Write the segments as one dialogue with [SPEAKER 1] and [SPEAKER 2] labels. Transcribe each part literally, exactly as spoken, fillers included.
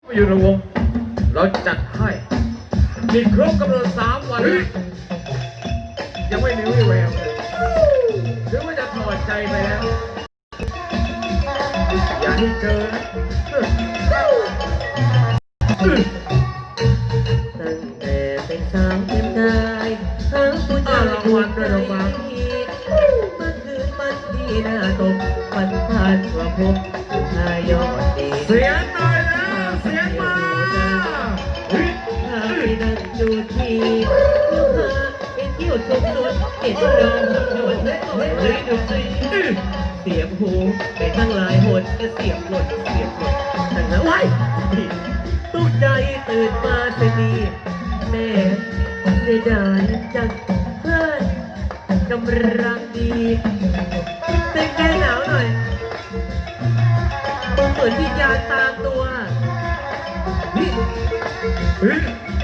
[SPEAKER 1] อยู่ในวงเราจัดให้มีครบกำหนดสามวันยังไม่มีวี่แววเลยหรือว่าจะถอดใจไปแล้วอย่าให้เจอนะ
[SPEAKER 2] ตั้งแต่เป็นสาวเต็มกายหาผู้ชายถูกใจเมื่อคืนมันดีหน้าตกมันพลาดว่าพบชายยอดดี
[SPEAKER 1] เสียงหน่อยนะเสียงมา
[SPEAKER 2] พาไปนั่งดูทีลูกหาเป็นคิ้วชมสวนเห็นดองโดนและโดนเลยดูสิเสียบหูไปทั้งหลายหดก็เสียบหลดเสียบหลดแต่ละไว้ตุ๊กใจตื่นมาเสียดีแม่เสียดายจังเพื่อนกำลังดีเต้นแก้หนาวหน่อยมึงเหมือนวิญญาณตามตัวนี่
[SPEAKER 1] เฮ้ย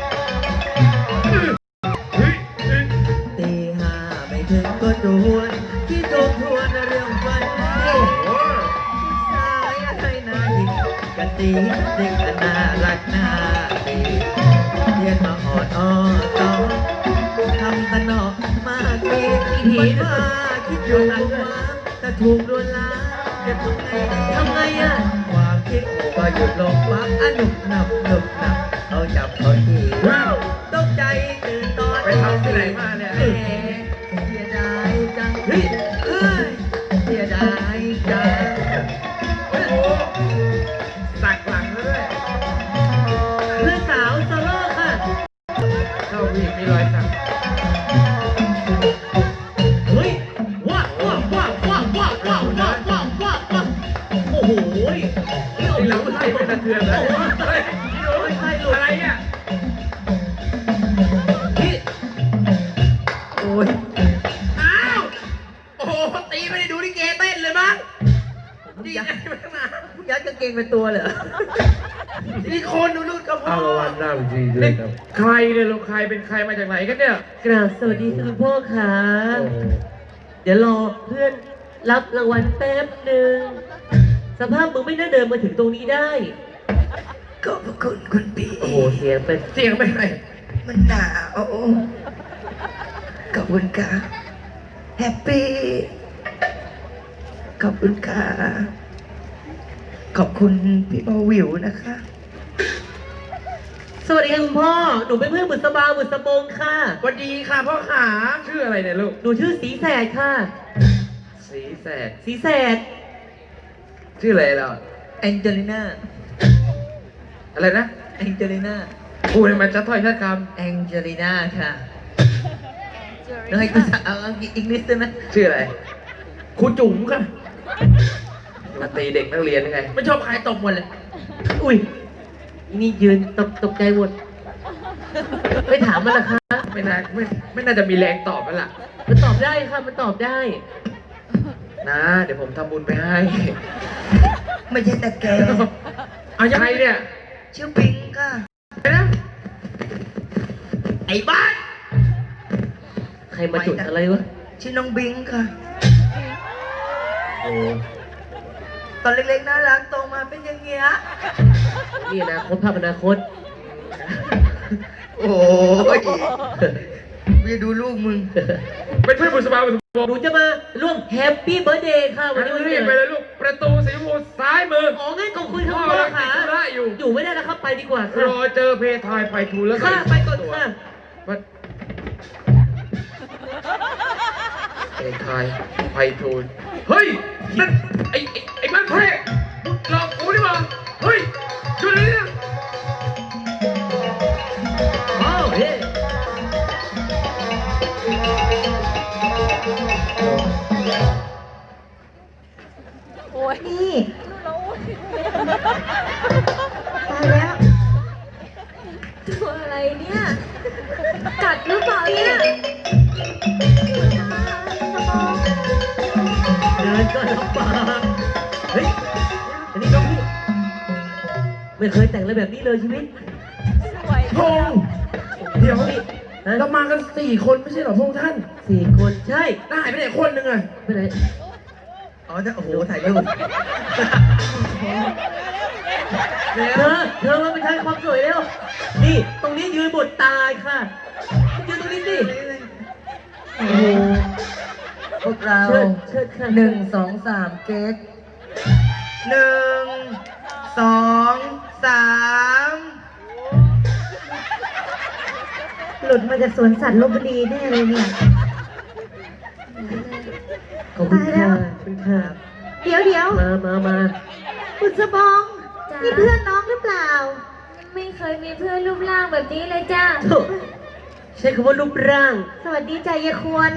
[SPEAKER 1] เฮ้ย
[SPEAKER 2] ตีห้าไม่ถึงก็จวนที่ทบทวนเรื่องฝันผู้ชายอะไรน่าหยิกกะตีเด็กน่ารักน่าดีเรียนมาอ่อนอ้อต่อทำกันนอกมากดีมันมาคิดอยู่หนักว่าจะถูกลวนลามจะทำไงทำไงอ่ะความคิดก็หยุดลงปั๊บอ่ะหนุบหนับหนุบหนับเอาจับเขาทีตกใจตื่นตอน
[SPEAKER 1] ไปทำที่ไหนมาเนี่ย
[SPEAKER 2] เสียดายจังเฮ้ยเสียดายจัง
[SPEAKER 1] โอ้โหสักหลังด้วย
[SPEAKER 2] เพื่อนสาวโซโล่ค่ะ
[SPEAKER 1] เข้าวีมีรอยสัก
[SPEAKER 2] เฮ้ยว้าว้าว้าว้าว้าว้าว้าว้าว้าว้าโอ้โห
[SPEAKER 1] ที่หลังไส้ไปสะเทือนเลยเฮ้ยอะไรเนี่ย
[SPEAKER 2] โอ้ย
[SPEAKER 1] อ้าวโอ้โหตีไม่ได้ดูลิเกเต้นเลยมั้งดีใจมากนะ
[SPEAKER 2] ยัดกางเกงเป็นตัวเหรอ
[SPEAKER 1] นี่คนดูนู่นก็พ่อเอาวันหน้าจริงเลยครับใครเนี่ยเราใครเป็นใครมาจากไหนกันเนี่ย
[SPEAKER 2] กราบสวัสดีคุณพ่อค่ะเดี๋ยวรอเพื่อนรับรางวัลแป๊บหนึ่งสภาพมึงไม่น่าเดินมาถึงตรงนี้ได้
[SPEAKER 3] ขอบคุณคุณพี่
[SPEAKER 2] โอ้โหเสียงเป็น
[SPEAKER 1] เสียงเป็นไง
[SPEAKER 3] มันหนาวขอบคุณค่ะแฮปปี้ขอบคุณค่ะขอบคุณพี่บอวิวนะคะ
[SPEAKER 2] สวัสดีค่ะคุณพ่อหนูเป็นเพื่อนบุษบาบุษบงค่ะ
[SPEAKER 1] สวัสดีค่ะพ่อขาชื่ออะไรเนี่ยลูก
[SPEAKER 2] หนูชื่อสีแสดค่ะ
[SPEAKER 1] สีแสด
[SPEAKER 2] สีแสด
[SPEAKER 1] ชื่ออะไรเรา
[SPEAKER 2] แองเจลิน่า
[SPEAKER 1] อะไรนะ
[SPEAKER 2] แองเจลิน่า
[SPEAKER 1] พูดให้มันชัดถ้อยชัดค
[SPEAKER 2] ำแองเจลิน่าค่ะแล้วให้กูเอาอังกฤษอังกฤษได้ไหม
[SPEAKER 1] ชื่ออะไรครูจุ๋มค่ะมาตีเด็กนักเรียนยังไงไม่ชอบใครตบหมดเลย
[SPEAKER 2] อุ้ยนี่ยืนตกตกใจหมดไม่ถามมันละคะ
[SPEAKER 1] ไม่น่าไม่ไม่น่าจะมีแรงตอบมันล่ะ
[SPEAKER 2] มันตอบได้ค่ะมันตอบได้
[SPEAKER 1] นะเดี๋ยวผมทำบุญไปให้
[SPEAKER 3] ไม่ใช่แต่แก
[SPEAKER 1] เอายังไงเนี่ย
[SPEAKER 3] ชื่อปิงค่ะ
[SPEAKER 1] นะ
[SPEAKER 2] ไอ้บ้านใครมาจุดอะไรวะ
[SPEAKER 3] ชื่อน้องบิงค่ะ
[SPEAKER 1] โอ้
[SPEAKER 3] ตอนเล็กๆน่ารักโตมาเป็นอย่างเงี้ย
[SPEAKER 2] นี่นะคตภาพอนาคต
[SPEAKER 3] โอ้ยไปดูลูกมึง
[SPEAKER 1] เป็นเพื่อนบุษบาบุษบง
[SPEAKER 2] หนูจะมาร่วมแฮปปี้เบิร์ธเดย์ค่ะวันนี้วัน
[SPEAKER 1] นี้ไปเลยลูกประตูสีชมพูซ้ายมือ
[SPEAKER 2] อ๋องั้นขอบคุณครับพ่อค่ะ
[SPEAKER 1] อยู่
[SPEAKER 2] อยู่ไม่ได้แล้วครับไปดีกว่าค่ะ
[SPEAKER 1] รอเจอเพทายไปทูแล้ว
[SPEAKER 2] ค่ะไปก่อนค่ะ
[SPEAKER 1] เพทายไปทูลเฮ้ยนั่นไอ้ไอ้บ้านแพ้หลอกกูนี่มาเฮ้ยช่วยเลยเนี่ย
[SPEAKER 2] อ้าวเฮ้
[SPEAKER 3] โอ้ยนี่ตายแล้ว
[SPEAKER 4] ตัวอะไรเนี่ยกัดหรือเปล่าเนี่ย
[SPEAKER 2] เดินก็ลำบากเฮ้ยอันนี้น้องพี่ไม่เคยแต่งอะไรแบบนี้เลยชีวิต
[SPEAKER 1] พงเดี๋ยวเรามากันสี่คนไม่ใช่หรอพงท่าน
[SPEAKER 2] สี่คนใช่
[SPEAKER 1] ได้ไปไหนคนหนึ่งอะ
[SPEAKER 2] ไปไหน
[SPEAKER 3] อ๋อจะโอ้โหถ่ายรูป
[SPEAKER 2] เธอเธอมาเป็นความสวยเร็วนี่ตรงนี้ยืนบทตายค่ะยืนตรงนี้สิโอ้โห
[SPEAKER 3] พวกเรา
[SPEAKER 2] เชิดเชิดค่ะ
[SPEAKER 3] หนึ่งสองสามเก๊กหนึ่งสองสาม
[SPEAKER 4] หลุดมาจากสวนสัตว์ลพบุรีแน่เลยเนี่ย
[SPEAKER 2] ขอบคุณค่ะขอบคุณค่ะ
[SPEAKER 4] เดี๋ยวเดี๋ยว
[SPEAKER 2] มามามา
[SPEAKER 4] คุณสบองนี่เพื่อนน้องหรือเปล่า ไม่เคยมีเพื่อนรูปร่างแบบนี้เลยจ้า
[SPEAKER 2] โถ่ใช้คำว่ารูปร่าง
[SPEAKER 4] สวัสดีจ้ายายควร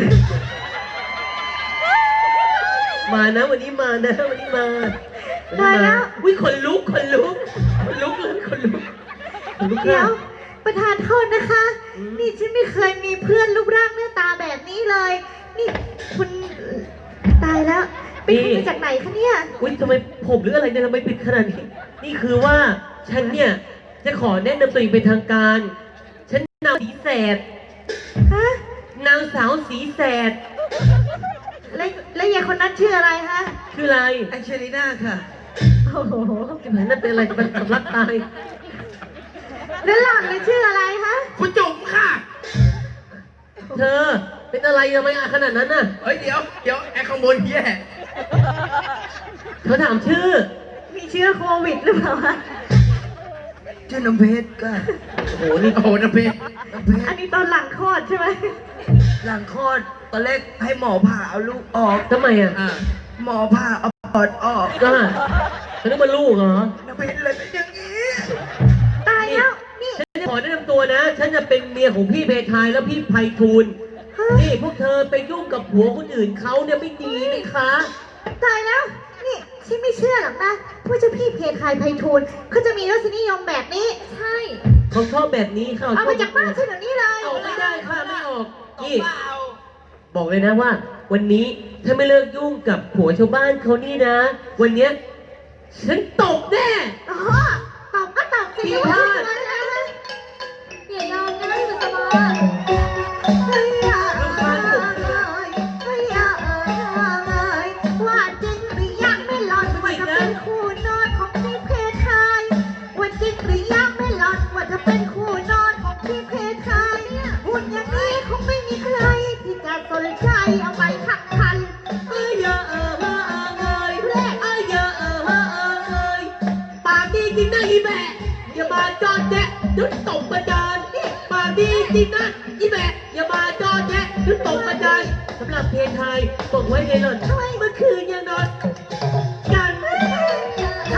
[SPEAKER 2] มานะวันนี้มานะวันนี้มาวันนี้
[SPEAKER 4] ตายแล้ว
[SPEAKER 2] อุ้ยขนลุกขนลุกขนลุกเลยขนลุกขนลุก
[SPEAKER 4] เดี๋ยว
[SPEAKER 2] ค่ะ
[SPEAKER 4] ประธานโทษนะคะ นี่ฉันไม่เคยมีเพื่อนรูปร่างหน้าตาแบบนี้เลย นี่คุณตายแล้วเป็นคนมาจากไหนคะเนี่ย
[SPEAKER 2] อุ้ยทำไมผมหรืออะไรเนี่ยทำไมปิดขนาดนี้ นี่คือว่าฉันเนี่ยจะขอแนะนำตัวเองเป็นทางการ ฉันนางสีแสด
[SPEAKER 4] ฮะ
[SPEAKER 2] นางสาวสีแสด
[SPEAKER 4] แล้วแล้วยายคนนั้นชื่ออะไรคะ
[SPEAKER 2] คืออะไร
[SPEAKER 3] แองเจลิน่าค่ะ
[SPEAKER 4] โอ้โห
[SPEAKER 2] จะเหมือนนั่นเป็นอะไรจะเป็นสำลักตาย
[SPEAKER 4] แล้วหล่อนเลยชื่ออะไรคะ
[SPEAKER 1] คุณจุ๋มค่ะ
[SPEAKER 2] เธอเป็นอะไรทำไมอาขนาดนั้นน่ะ
[SPEAKER 1] เฮ้ยเดี๋ยวเดี๋ยวไอ้ข้างบนแย่
[SPEAKER 2] เธอถามชื่อ
[SPEAKER 4] มีเชื้อโควิดหรือเปล่าคะ
[SPEAKER 3] ชื่อน้ำเพชรค่ะ
[SPEAKER 2] โอ้โหนี่
[SPEAKER 1] โอ้โหนะเพชร
[SPEAKER 3] น้ำเพช
[SPEAKER 4] อั
[SPEAKER 3] ร
[SPEAKER 4] นนี้ตอนหลังคลอดใช่ไหม
[SPEAKER 3] หลังคลอดตอนแรกให้หมอผ่าเอาลูกออก
[SPEAKER 2] ทำไมอ่ะ
[SPEAKER 1] อ่า
[SPEAKER 3] หมอผ่าเอาปอดออก
[SPEAKER 2] ก็ฉันนึกว่าลูกเหรอ
[SPEAKER 3] น้ำเพชรเลยเป็นอย่างนี้
[SPEAKER 4] ตายแล้ว นี่
[SPEAKER 2] ฉันจะขอแนะนำตัวนะ ฉันจะเป็นเมียของพี่เพทายแล้วพี่ไพฑูรย์นี่พวกเธอไปยุ่งกับผัวคนอื่นเขาเนี่ยไม่ดีนะคะ
[SPEAKER 4] ตายแล้ว นี่ฉันไม่เชื่อหรอกนะว่าเจ้าพี่เพทายไพฑูรย์เขาจะมีรสนิยมแบบนี้ ใช่
[SPEAKER 2] เขาชอบแบบนี้ค่ะ
[SPEAKER 4] เอาไปจากบ้านฉันเดี๋ยวนี้เลย
[SPEAKER 2] เอาไม่ได้ค่ะไม่ออกนี่บอกเลยนะว่า วันนี้ถ้าไม่เลิกยุ่งกับผัวชาวบ้านเขานี่นะ วันเนี้ยฉันตบแน่
[SPEAKER 4] อ๋อตอบก็ตอบสิ
[SPEAKER 2] ผิดพลาด
[SPEAKER 4] อย่ายอมนะสุสบาเฮ้ยอ่ะเอ้ยเฮ้ยอ่ะเอ้ยว่าจริงหรือยังไม่หลอนว่าจะเป็นคู่นอนของพี่เพทายว่าจริงหรือยังไม่หลอนว่าจะเป็นคู่นอนของพี่เพทายหุ่นอย่างนี้คงไม่มีใครที่จะสนใจเอาไปขักคัน
[SPEAKER 2] เอ้ยเยอะเออเออเอ้ยเอ้ยเยอะเออเออเอ้ยปากดีจริงนะอีแบะอย่ามาจอดแจ๊ะเดี๋ยวตบประจานนี่ปากดีจริงนะอีแบะอย่ามาจอดแจ๊ะเดี๋ยวตบประจานสำหรับเพลงไทยบอกไว้ในหล่อนเมื่อคืนยังนอนกันใช่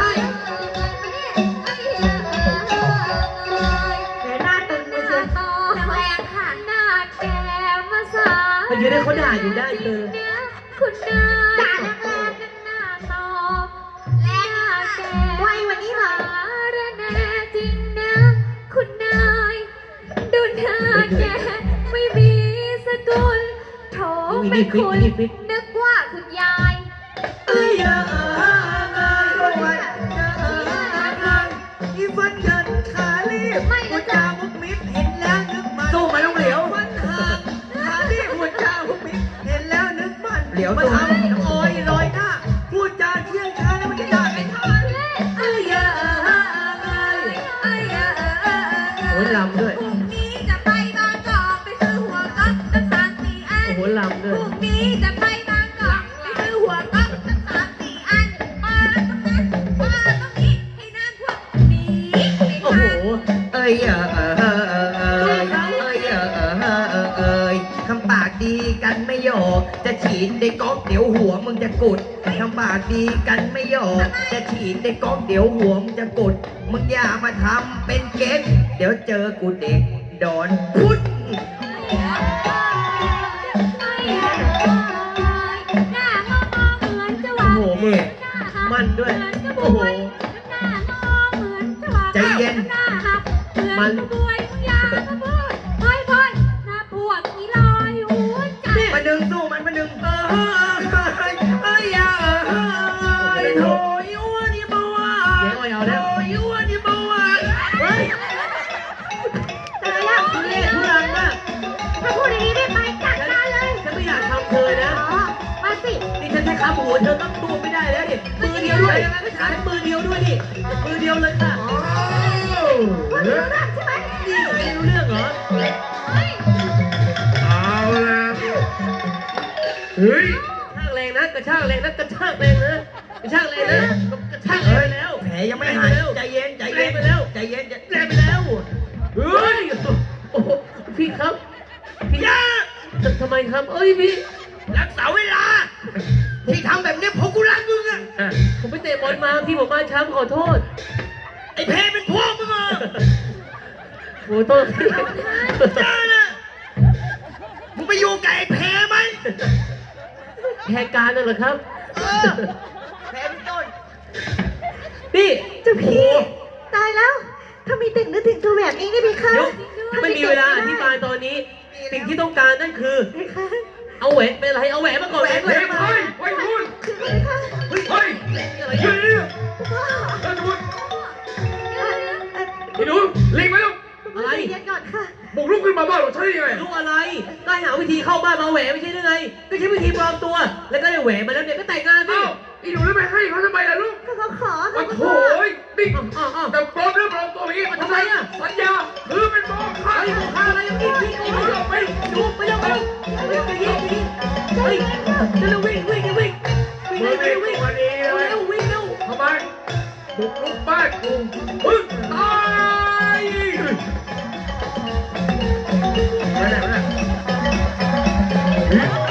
[SPEAKER 4] แต่หน้าตึงเลยเชียว
[SPEAKER 5] แรงค่ะหน้าแกมาสา
[SPEAKER 2] เขาจะได้เขาด่าอยู่ได้เธอ
[SPEAKER 5] คุณนาย
[SPEAKER 4] ด่าแรง
[SPEAKER 5] หน้าตอหน้าแก
[SPEAKER 4] ๆไวกวันนี้หน่อย
[SPEAKER 5] สารแน่จริงนะ คุณนายดูหน้าแกไม่มีสกุลโถไม่คุณนึกว่าคุณยาย
[SPEAKER 2] เอ้ยเยอะเออเอ้ย
[SPEAKER 3] อีฟันยันขาลีบ
[SPEAKER 5] ไม่
[SPEAKER 3] หัว
[SPEAKER 5] นะ
[SPEAKER 3] จา
[SPEAKER 5] จ๊ะ
[SPEAKER 3] มุกมิดเห็นแล้วนึกมัน
[SPEAKER 1] สู้ไหมลูกเหลียว
[SPEAKER 3] มันห่างขาลีบหัวจามุกมิดเห็นแล้วนึกมัน
[SPEAKER 1] เหลียว
[SPEAKER 3] มัน
[SPEAKER 1] ตัว
[SPEAKER 3] ทำโอยลอยหน้าพูดจาเที่ยงช้าแล้วมันจะด่าไม่ทัน
[SPEAKER 2] เอ้ยเยอะเออเอ้ย
[SPEAKER 5] เอ้ยเอ้ยเอ้ยเอ้ยเอ้ย
[SPEAKER 2] โอ้ยลำด้วย
[SPEAKER 5] พรุ่งนี้จะไปบางกอกไปซื้อหัวก๊อกตั้งสามสี่อัน
[SPEAKER 2] โอ้โหลำด้
[SPEAKER 5] พ
[SPEAKER 2] วย
[SPEAKER 5] รุ่งนี้จะไปบางกอกไปซื้อหัวก๊อกตั้งสามสี่อันมาตรงนั้นมาตรงนี้ให้น้ำท่วมหนีไม่
[SPEAKER 2] โอ้โห
[SPEAKER 5] ทัน
[SPEAKER 3] เอ้ยเออเออเออเออเอ้ยเอ้ยเออเออเออเออเอ้ยทำปากดีกันไม่หยอกจะฉีดในก๊อกเดี๋ยวหัวมึงจะกุดทำปากดีกันไม่หยอกจะฉีดในก๊อกเดี๋ยวหัวมึงจะกุดมึงอย่ามาทำเป็นเก๊กเดี๋ยวเจอกูเด็กดอนพุทธ
[SPEAKER 5] หน้างอเหมือนจะหวา
[SPEAKER 2] โอ้โหมือมันด้วย โอ้โห
[SPEAKER 5] หน้างอเหมือนจะหวา
[SPEAKER 3] ใจเย็น
[SPEAKER 5] หน้าหักเหมือนจะบวยยาสะพูดพอยพอยหน้าปวดอีลอยหัวใจ
[SPEAKER 3] มาดึงสู้มันมาดึงเออเออเอ้ยเอ้ยเออเออเอ้ยโถยอ้วนนี่บ่ว่า
[SPEAKER 2] เจ๊อ้อยเอาแล้ว
[SPEAKER 3] โถยอ้วนนี่บ่ว่า
[SPEAKER 2] เฮ้ย
[SPEAKER 4] ตายแล้ว
[SPEAKER 2] ทุเรศทุรังมาก
[SPEAKER 4] ถ้าพูดอย่างนี้ได้ไหมจัดการเลย
[SPEAKER 2] ฉันไม่อยากทำเธอนะ
[SPEAKER 4] อ๋อ มาสิ
[SPEAKER 2] นี่ฉันใช้ขาหมูเธอต้องตัวไม่ได้แล้วดิมือเดียวด้วยใช้มือเดียวด้วยดิมือเดียวเลยค่ะ
[SPEAKER 3] โอ้
[SPEAKER 1] ฮ้ย
[SPEAKER 2] กระชากแรงนะกระชากแรงนะกระชากแรงนะกระชากแรงนะกระชากแรงไปแล้ว
[SPEAKER 3] แผลยังไม่หายใจเย็นใจเย็น
[SPEAKER 2] ไปแล้ว
[SPEAKER 3] ใจเย็นใจ
[SPEAKER 2] แรงไปแล้วเฮ้ยโอ้โหพี่ครับพี่ยาทำไมครับเอ้ยพี่
[SPEAKER 3] รักษาเวลาที่ทำแบบนี้เพราะกูรักมึงอะ
[SPEAKER 1] อ่ะ
[SPEAKER 2] ผมไปเตะบอลมาพี่ผมมาช้ำขอโทษ
[SPEAKER 3] ไอ้แพ้เป็นพวกมึงเหรอ
[SPEAKER 2] โอ้โทษพี่
[SPEAKER 3] เจ้าน่ะมึงไปอยู่กับไอ้แพ้ไหม
[SPEAKER 2] แหกการนั่นเหรอครับ
[SPEAKER 3] เออแพ้เป็นต้น
[SPEAKER 2] พี่
[SPEAKER 4] เจ้าพี่ตายแล้วถ้ามีเด็กนึกถึงตัวแบบนี้ได้ไหมคะ
[SPEAKER 2] เดี๋ยวไม่มีเวลาอธิบายตอนนี้ สิ่งที่ต้องการนั่นคือ
[SPEAKER 4] ไหมคะ
[SPEAKER 2] เอาแหวนเป็นอะไรเอาแหวนมาก่อนแหวน
[SPEAKER 1] เฮ้ย
[SPEAKER 2] มา
[SPEAKER 1] เฮ้ยไว้คุณ
[SPEAKER 4] คือไหมคะ
[SPEAKER 1] เฮ้ย
[SPEAKER 2] อะไร
[SPEAKER 1] เฮ้ย
[SPEAKER 2] เนี่ย
[SPEAKER 4] พ่อ
[SPEAKER 1] เฮ้ยคุณ
[SPEAKER 4] เอ่อเอ่อ
[SPEAKER 1] ไอ้หนูหลีกไปลูก
[SPEAKER 2] อะไร
[SPEAKER 4] เย็นก่อนค่ะ
[SPEAKER 1] บุกลุกขึ้นมาบ้านเราใช่ยังไง
[SPEAKER 2] รู้อะไรก็ให้หาวิธีเข้าบ้านมาแหวนไม่ใช่หรือไง ก็ใช้วิธีปลอมตัว แล้วก็ได้แหวนมาแล้วเนี่ยก็แต่งงานดิ
[SPEAKER 1] เอ้าไอ้หนูแล้วไปให้เขาทำไมล่ะลูก
[SPEAKER 4] ก็เขาขอ
[SPEAKER 1] โอ้
[SPEAKER 4] ค่ะ
[SPEAKER 1] โหนี่
[SPEAKER 2] อ้าวอ้าวอ้าว
[SPEAKER 1] แต่ปลอมเรื่องปลอมตัวอย่างนี้มันทำไมอ่ะสัญญาคือเป็นโมฆะ
[SPEAKER 2] เฮ้ยพาอะไรยังอีกพี่โอ้ยไปดูไปเร็วไปเร็วไปเร็วไปยิงไปยิงเฮ้ยเร็ววิ่งวิ่งวิ่งวิ่ง
[SPEAKER 1] มือ
[SPEAKER 2] วิ่ง
[SPEAKER 1] เด็
[SPEAKER 2] วิ่
[SPEAKER 1] ก
[SPEAKER 2] ง
[SPEAKER 1] วันนี้
[SPEAKER 2] เร็ว
[SPEAKER 1] เลย
[SPEAKER 2] เร็ววิ่งเร็ว
[SPEAKER 1] ทำไมบุกลุกบ้านกูมึงตายไปไหนไปไหน